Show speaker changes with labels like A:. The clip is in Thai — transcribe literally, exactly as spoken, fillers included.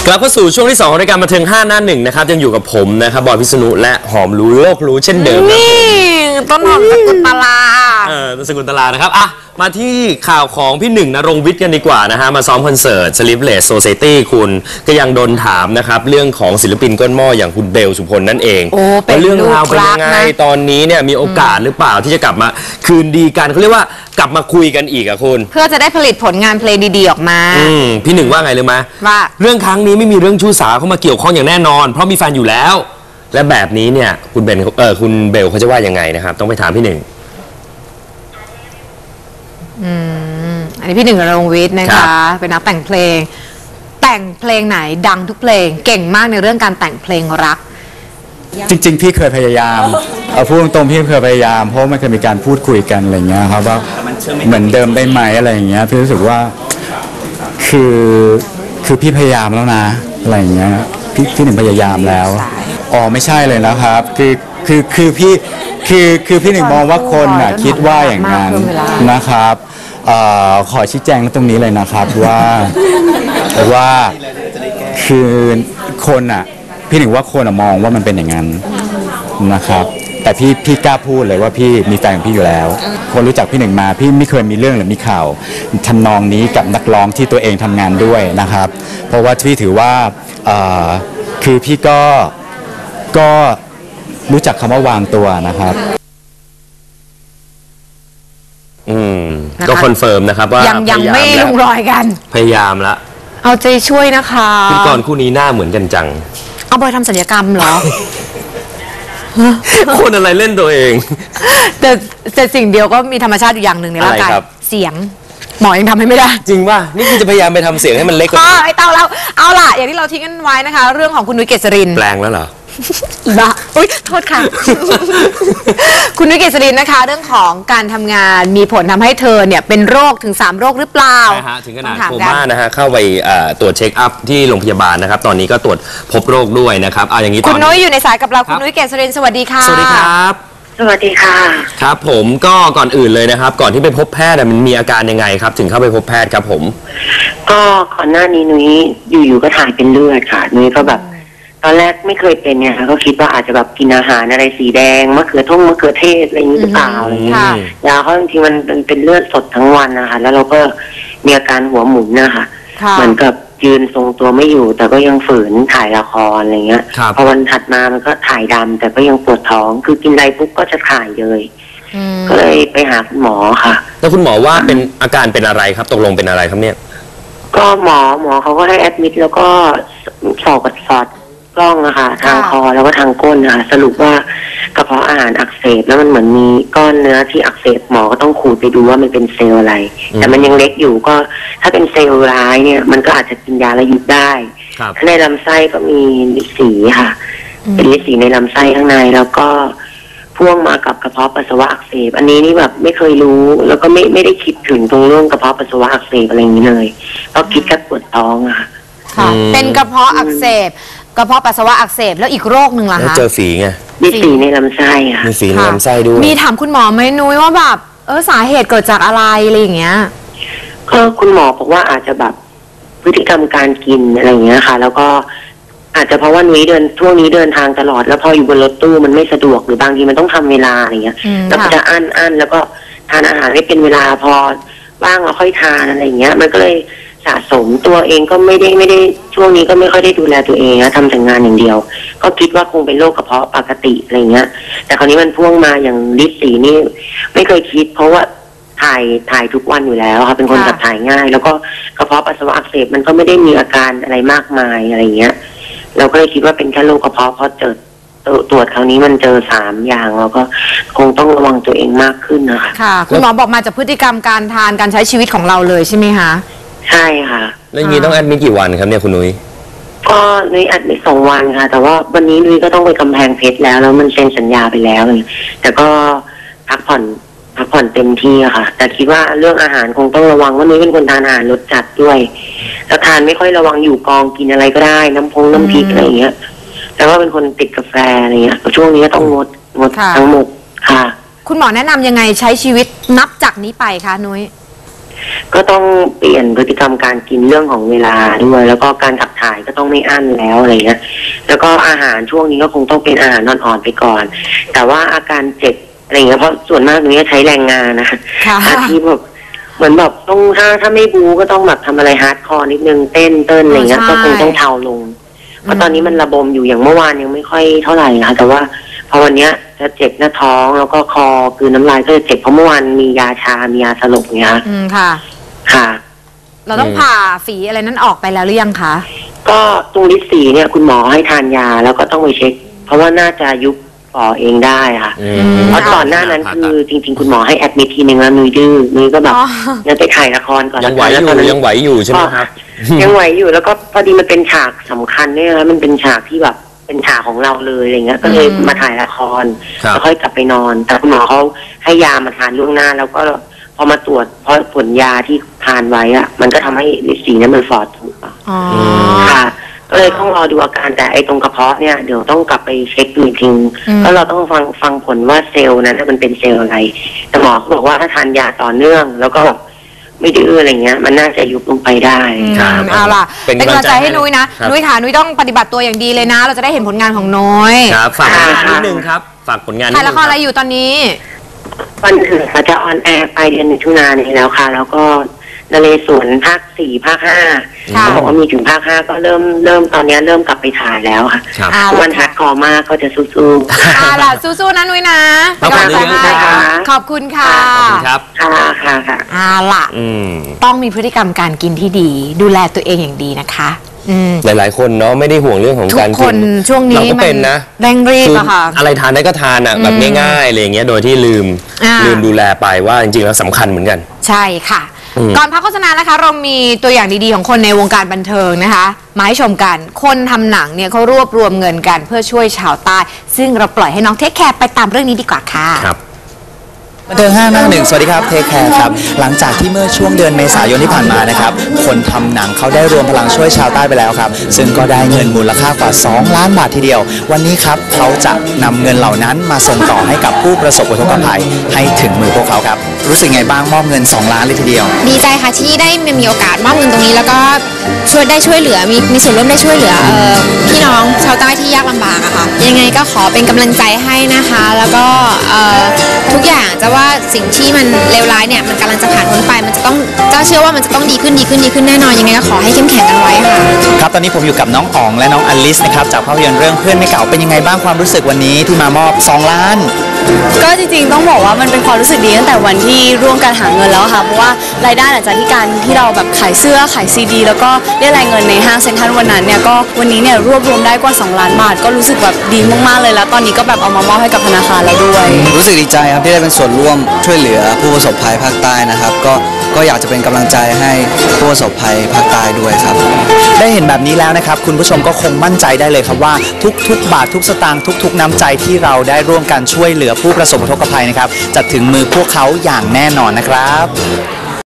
A: ลับเข้าสู่ช่วงที่สองของรายการบันเทิงห้าหน้าหนึ่งนะครับยังอยู่กับผมนะครับบอยพิษณุและหอมรู้โลกรู้เช่นเดิมนี่
B: ต้นหอมสกุลตลา
A: เออต้นสกุลตลานะครับอ่ะมาที่ข่าวของพี่หนึ่งณรงค์วิทย์กันดีกว่านะฮะมาซ้อมคอนเสิร์ต Sleepless Society คุณก็ยังโดนถามนะครับเรื่องของศิลปินก้นหม้ออย่างคุณเบลสุพลนั่นเองว่าเรื่องราวเป็นยังไงตอนนี้เนี่ยมีโอกาสหรือเปล่าที่จะกลับมาคืนดีกันเขาเรียกว่ากลับมาคุยกันอีกอะคุณ
B: เพื่อจะได้ผลิตผลงานเพลงดีๆออกมา
A: พี่หนึ่งว่าไงเลยไหม
B: ว่า
A: เรื่องครั้งนี้ไม่มีเรื่องชู้สาวเข้ามาเกี่ยวข้องอย่างแน่นอนเพราะมีแฟนอยู่แล้วและแบบนี้เนี่ยคุณเบนเออคุณเบลเขาจะว่ายังไงนะครับต้องไปถามพี่หนึ่ง
B: อืมอันนี้พี่หนึ่งณรงค์วิทย์นะคะเป็นนักแต่งเพลงแต่งเพลงไหนดังทุกเพลงเก่งมากในเรื่องการแต่งเพลงรัก
C: จริงๆพี่เคยพยายามเอาพูดตรงๆพี่เคยพยายามเพราะมันเคยมีการพูดคุยกันอะไรเงี้ยครับว่าเหมือนเดิมได้ไหมอะไรอย่างเงี้ยพี่รู้สึกว่าคือคือพี่พยายามแล้วนะอะไรอย่างเงี้ยพี่พี่หนึ่งพยายามแล้วอ๋อไม่ใช่เลยนะครับคือคือคือพี่คือคือพี่หนึ่งมองว่าคนน่ะคิดว่าอย่างนั้นนะครับขอชี้แจงตรงนี้เลยนะครับว่าว่าคือคนอ่ะพี่หนึ่งว่าคนมองว่ามันเป็นอย่างนั้นนะครับแต่พี่พี่กล้าพูดเลยว่าพี่มีแฟนของพี่อยู่แล้วคนรู้จักพี่หนึ่งมาพี่ไม่เคยมีเรื่องหรือมีข่าวทำนองนี้กับนักร้องที่ตัวเองทำงานด้วยนะครับเพราะว่าพี่ถือว่าคือพี่ก็ก็รู้จักคำว่าวางตัวนะครับ
A: อืมก็คอนเฟิร์มนะครับว่า
B: ยังยังไม่ลงรอยกัน
A: พยายามละ
B: เอาใจช่วยนะคะ
A: พิธีกรคู่นี้หน้าเหมือนกันจัง
B: เอาบอยทำศัลยกรรมเหรอ
A: คนอะไรเล่นตัวเอง
B: แต่แต่สิ่งเดียวก็มีธรรมชาติอยู่อย่างหนึ่งในร่างกายเสียงหมอยังทำให้ไม่ได้
A: จริงป่ะนี่คือจะพยายามไปทำเสียงให้มันเล็กกว่า
B: นี้ไอ้เต้าแล้วเอาล่ะอย่างที่เราทิ้งกันไว้นะคะเรื่องของคุณนุ้ยเกษริน
A: แปลงแล้วเหรอ
B: บ้าอุ้ยโทษค่ะคุณนุ้ยเกษรินนะคะเรื่องของการทำงานมีผลทำให้เธอเนี่ยเป็นโรคถึงสามโรคหรือเปล่า
A: ใช่ฮะถึงขนาดโคม่านะฮะเข้าไปตรวจเช็คอัพที่โรงพยาบาลนะครับตอนนี้ก็ตรวจพบโรคด้วยนะครับเอาอย่างนี้
B: คุณนุ้ยอยู่ในสายกับเราคุณนุ้ยเกษรินสวัสดีค่ะ
A: สวัสดีครับ
D: สวัสดีค่ะ
A: ครับผมก็ก่อนอื่นเลยนะครับก่อนที่ไปพบแพทย์มันมีอาการยังไงครับถึงเข้าไปพบแพทย์ครับผม
D: ก็ก่อนหน้านี้นุ้ยอยู่ๆก็ถ่ายเป็นเลือดค่ะนุ้ยก็แบบตอนแรกไม่เคยเป็นเนี่ยค่ะก็คิดว่าอาจจะแบบกินอาหารอะไรสีแดงมะเขือท่งมะเขือเทศอะไรอย่างนี้หรือเปล่าอะไรอย่างเงี้ยยาเขาจริงๆมันเป็นเลือดสดทั้งวันนะคะแล้วเราก็มีอาการหัวหมุนนะคะเหมือนกับยืนทรงตัวไม่อยู่แต่ก็ยังฝืนถ่ายละครอะไรเงี้ยพอวันถัดมามันก็ถ่ายดำแต่ก็ยังปวดท้องคือกินอะไรปุ๊บก็จะถ่ายเลยก็เลยไปหาคุณหมอค่ะ
A: แล้วคุณหมอว่าเป็นอาการเป็นอะไรครับตกลงเป็นอะไรครับเนี่ย
D: ก็หมอหมอเขาก็ให้แอดมิดแล้วก็สอบกับสอดกล้องนะคะทางคอแล้วก็ทางก้นนะคะสรุปว่ากระเพาะอาหารอักเสบแล้วมันเหมือนมีก้อนเนื้อที่อักเสบหมอก็ต้องขูดไปดูว่ามันเป็นเซลล์อะไรแต่มันยังเล็กอยู่ก็ถ้าเป็นเซลล์ร้ายเนี่ยมันก็อาจจะกินยาแล้วหยุดได้ในลำไส้ก็มีฤทธิ์สีค่ะเป็นฤทธิ์สีในลำไส้ข้างในแล้วก็พ่วงมากับกระเพาะปัสสาวะอักเสบอันนี้นี่แบบไม่เคยรู้แล้วก็ไม่ไม่ได้คิดถึงตรงเรื่องกระเพาะปัสสาวะอักเสบอะไรอย่างนี้เลยเพราะคิดแค่ปวดท้องอะค่ะ
B: เป็นกระเพาะอักเสบกระเพาะปัสสาวะอักเสบแล้วอีกโรคหนึ่งล่ะคะ
A: เจอฝีไง
D: มีฝีในลำไส้ค่ะ
A: มีฝีในลำไส้ด้วย
B: มีถามคุณหมอไหมนุ้ยว่าแบบเออสาเหตุเกิดจากอะไรอะไรอย่างเงี้ย
D: ก็คุณหมอบอกว่าอาจจะแบบพฤติกรรมการกินอะไรอย่างเงี้ยค่ะแล้วก็อาจจะเพราะว่านุ้ยเดินช่วงนี้เดินทางตลอดแล้วพออยู่บนรถตู้มันไม่สะดวกหรือบางทีมันต้องทำเวลาอะไรเงี้ยแล้วก็จะอั้นอั้นแล้วก็ทานอาหารไม่เป็นเวลาพอว่างเราค่อยทานอะไรเงี้ยมันก็เลยสะสมตัวเองก็ไม่ได้ไม่ได้ช่วงนี้ก็ไม่ค่อยได้ดูแลตัวเองนะทำแต่งานอย่างเดียวก็คิดว่าคงเป็นโรคกระเพาะปกติอะไรเงี้ยแต่คราวนี้มันพ่วงมาอย่างฤทธิ์สีนี่ไม่เคยคิดเพราะว่าถ่ายถ่ายทุกวันอยู่แล้วค่ะเป็นคนขับถ่ายง่ายแล้วก็กระเพาะปัสสาวะอักเสบมันก็ไม่ได้มีอาการอะไรมากมายอะไรเงี้ยเราก็เลยคิดว่าเป็นแค่โรคกระเพาะเพราะเจอตรวจคราวนี้มันเจอสามอย่างแล้วก็คงต้องระวังตัวเองมากขึ้นนะคะ
B: ค่ะคุณหมอบอกมาจากพฤติกรรมการทานการใช้ชีวิตของเราเลยใช่ไหมคะ
D: ใช่ค่ะ
A: แล้วอย่างนี้ต้องแอดมิทกี่วันครับเนี่ยคุณนุ้ย
D: ก็นุ้ยแอดมิทสองวันค่ะแต่ว่าวันนี้นุ้ยก็ต้องไปกำแพงเพชรแล้วแล้วมันเซ็นสัญญาไปแล้วแต่ก็พักผ่อนพักผ่อนเต็มที่อะค่ะแต่คิดว่าเรื่องอาหารคงต้องระวังว่านุ้ยเป็นคนทานอาหารรสจัดด้วยแล้วทานไม่ค่อยระวังอยู่กองกินอะไรก็ได้น้ำพงน้ำพริกอะไรอย่างเงี้ยแต่ว่าเป็นคนติดกาแฟอะไรเงี้ยช่วงนี้ก็ต้องงดงดทั้งหมดค่ะ
B: คุณหมอแนะนำยังไงใช้ชีวิตนับจากนี้ไปคะนุ้ย
D: ก็ต้องเปลี่ยนพฤติกรรมการกินเรื่องของเวลาด้วยแล้วก็การขับถ่ายก็ต้องไม่อั้นแล้วอะไรเงี้ยแล้วก็อาหารช่วงนี้ก็คงต้องเป็นอาหารอ่อนๆไปก่อน แต่ว่าอาการเจ็บอะไรเงี้ยเพราะส่วนมากตรงนี้ใช้แรงงานนะอาชีพแบบเหมือนแบบต้องถ้าถ้าไม่บูก็ต้องแบบทำอะไรฮาร์ดคอร์นิดนึงเต้นเต้นอะไรเงี้ยก็คงต้องเทาลงเพราะตอนนี้มันระบมอยู่อย่างเมื่อวานยังไม่ค่อยเท่าไหร่นะแต่ว่าพอวันเนี้ยจะเจ็บหน้าท้องแล้วก็คอคือน้ำลายก็จะเจ็บเพราะเมื่อวานมียาชา มียาสลบเงี้ย
B: อืมค่ะ
D: ค่ะ
B: เราต้องผ่าฝีอะไรนั้นออกไปแล้วหรือยังคะ
D: ก็ตรงลิดสีเนี่ยคุณหมอให้ทานยาแล้วก็ต้องไปเช็คเพราะว่าน่าจะยุบป่อเองได้ค่ะเพราะก่อนหน้านั้นคือจริงๆคุณหมอให้แอดมิททีนึงแล้วนุ้ยดื้อนุ้ยก็แบบยังไปถ่ายละครก่อน
A: ยังไหวอยู่ยังไหวอยู่ใช่ไหมครับ
D: ยังไหวอยู่แล้วก็พอดีมันเป็นฉากสำคัญเนี่ยนะมันเป็นฉากที่แบบเป็นฉากของเราเลยอะไรเงี้ยก็เลยมาถ่ายละครแล้วค่อยกลับไปนอนแต่คุณหมอเขาให้ยามาทานล่วงหน้าแล้วก็พอมาตรวจเพราะผลยาที่ทานไว้อะมันก็ทำให้ฤทธิ์สีนั้นมันฟอดถูกป่ะค่ะก็เลยต้องรอดูอาการแต่ไอ้ตรงกระเพาะเนี่ยเดี๋ยวต้องกลับไปเช็คดูจริงแล้วเราต้องฟังฟังผลว่าเซลล์นั้นมันเป็นเซลล์อะไรแต่หมอเขาบอกว่าถ้าทานยาต่อเนื่องแล้วก็ไม่ดื้ออะไรเงี้ยมันน่าจะยุบลงไปได้
B: เอาล่ะเป็นกำลังใจให้นุ้ยนะนุ้ยค่ะนุ้ยต้องปฏิบัติตัวอย่างดีเลยนะเราจะได้เห็นผลงานของนุ้ย
A: ครับฝากผลงานนิดนึงครับฝากผลงาน
B: ถ่ายละครอะไรอยู่ตอนนี้
D: วันถึงจะออนแอร์ไปเดือนมิถุนายนนี้แล้วค่ะแล้วก็นเรศวรภาคสี่ภาคห้าเขาบอกว่ามีถึงภาคห้าก็เริ่มเริ่มตอนนี้เริ่มกลับไปถ่ายแล้วค่ะวันฮัดคอมากก็จะสู้
B: ๆอ่าล่ะสู้ๆนะนุ้ยนะ
A: ขอบคุณค่ะ
B: ขอบคุณค่ะ
A: ขอบคุณครับ
D: ค่ะค่ะค่ะ
B: อ่าล่ะต้องมีพฤติกรรมการกินที่ดีดูแลตัวเองอย่างดีนะคะ
A: หลายๆคนเนาะไม่ได้ห่วงเรื่องของการกิน
B: ทุกคนช่วงนี้
A: เราก็เป็นนะ
B: เร่งรีบอะค่ะ
A: อะไรทานได้ก็ทานอะแบบง่ายๆอะไรอย่างเงี้ยโดยที่ลืมลืมดูแลไปว่าจริงๆแล้วสำคัญเหมือนกัน
B: ใช่ค่ะก่อนพักโฆษณานะคะเรามีตัวอย่างดีๆของคนในวงการบันเทิงนะคะมาให้ชมกันคนทำหนังเนี่ยเขารวบรวมเงินกันเพื่อช่วยชาวใต้ซึ่งเราปล่อยให้น้องเทคแคร์ไปตามเรื่องนี้ดีกว่าค่ะ
A: ครับ
E: บันเทิงห้าหน้าหนึ่งสวัสดีครับเทคแคร์ครับหลังจากที่เมื่อช่วงเดือนเมษายนที่ผ่านมานะครับคนทำหนังเขาได้รวมพลังช่วยชาวใต้ไปแล้วครับซึ่งก็ได้เงินมูลค่ากว่าสองล้านบาททีเดียววันนี้ครับเขาจะนำเงินเหล่านั้นมาส่งต่อให้กับผู้ประสบอุทกภัยให้ถึงมือพวกเขาครับรู้สึกไงบ้างมอบเงินสองล้านเลยทีเดียว
F: ดีใจค่ะที่ได้มีโอกาสมอบเงินตรงนี้แล้วก็ช่วยได้ช่วยเหลือมีมีส่วนร่วมได้ช่วยเหลือเอ่อพี่น้องชาวใต้ที่ยากลำบากอะค่ะยังไงก็ขอเป็นกำลังใจให้นะคะแล้วก็เอ่อทุกอย่างจะว่าสิ่งที่มันเลวร้ายเนี่ยมันกำลังจะผ่านพ้นไปมันจะต้องเจ้าเชื่อว่ามันจะต้องดีขึ้นดีขึ้นดีขึ้นแน่นอนยังไงก็ขอให้เข้มแข็งกันไว้ค่ะ
E: ครับตอนนี้ผมอยู่กับน้องอ๋องและน้องอลิสนะครับจากภาพยนตร์เรื่องเพื่อนไม่เก่าเป็นยังไงบ้างความรู้สึกวันนี้ที่มามอบสองล้าน
G: ก็จริงๆต้องบอกว่ามันเป็นความรู้สึกดีตั้งแต่วันที่ร่วมกันหาเงินแล้วค่ะเพราะว่ารายได้หลังจากที่การที่เราแบบขายเสื้อขายซีดีแล้วก็เรียกรายเงินในห้างเซ็นทรัลวันนั้นเนี่ยก็วันนี้เนี่ยรวบรวมได้กว่าสองล้านบาทก็รู้สึกแบบดีมากๆเลยแล้วตอนนี้ก็แบบเอามามอบให้กับธนาคารแล้วด้วย
E: รู้สึกดีใจครับที่ได้เป็นส่วนร่วมช่วยเหลือผู้ประสบภัยภาคใต้นะครับก็ก็อยากจะเป็นกำลังใจให้ผู้ประสบภัยภาคใต้ด้วยครับได้เห็นแบบนี้แล้วนะครับคุณผู้ชมก็คงมั่นใจได้เลยครับว่าทุกๆบาททุกสตางค์ทุกๆน้ำใจที่เราได้ร่วมกันช่วยเหลือผู้ประสบอุทกภัยนะครับจะถึงมือพวกเขาอย่างแน่นอนนะครับ